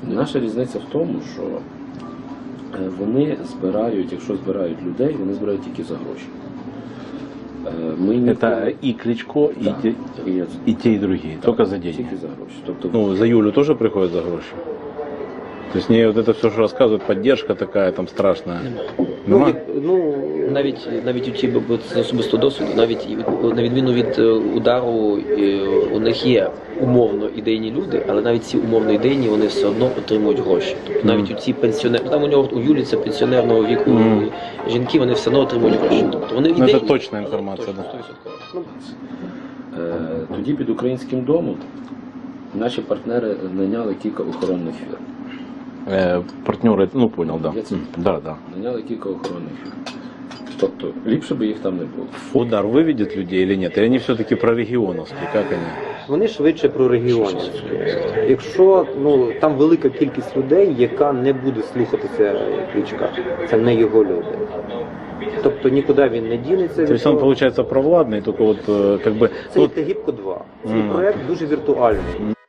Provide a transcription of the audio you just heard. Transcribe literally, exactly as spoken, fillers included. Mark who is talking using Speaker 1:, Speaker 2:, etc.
Speaker 1: Наша різниця в тому, що вони збирають, якщо збирають людей, вони збирають тільки за гроші. Ми ніколи...
Speaker 2: Это и Кличко,
Speaker 1: да,
Speaker 2: и, те,
Speaker 1: и,
Speaker 2: и те, и другие,
Speaker 1: да,
Speaker 2: только за деньги.
Speaker 1: Тільки за гроші. Тобто...
Speaker 2: Ну, за Юлю тоже приходят за гроши? То есть мне вот это все, что рассказывают, поддержка такая там страшная.
Speaker 3: Ну,
Speaker 2: Нема?
Speaker 3: як, ну,
Speaker 4: Навіть навіть у ті з особистого досвіду, навіть і від- на відміну від е, удару, е, у них є умовно ідейні люди, але навіть ці умовно ідейні вони все одно отримують гроші. Тобто навіть у ці пенсіонери, там у нього у Юлі це пенсіонерного віку
Speaker 2: Мгм.
Speaker 4: жінки, вони все одно отримують гроші. Тобто вони
Speaker 2: Ну, це
Speaker 4: ідейні,
Speaker 2: точна
Speaker 4: але
Speaker 2: інформація,
Speaker 4: точно,
Speaker 2: да.
Speaker 4: сто відсотків.
Speaker 1: Е, Тоді під українським домом наші партнери наняли кілька охоронних фірм.
Speaker 2: Э, партнеры, ну понял, да.
Speaker 1: Я це-
Speaker 2: Да, да.
Speaker 1: Наняли кілька охоронних фірм. Тобто ліпше би їх там не було.
Speaker 2: Удар выведет людей или нет? Или они все-таки прорегионовские? Как они?
Speaker 3: вони швидше про регіонів. Якщо ну, там велика кількість людей, яка не буде слухатися Кличка, це не його люди. Тобто нікуди він не дінеться.
Speaker 2: То
Speaker 3: від
Speaker 2: есть он,
Speaker 3: того.
Speaker 2: получается, провладный, только вот э, как бы...
Speaker 3: Це
Speaker 2: ну,
Speaker 3: як Тагіпко два. Цей
Speaker 2: Мгм.
Speaker 3: проект дуже віртуальний.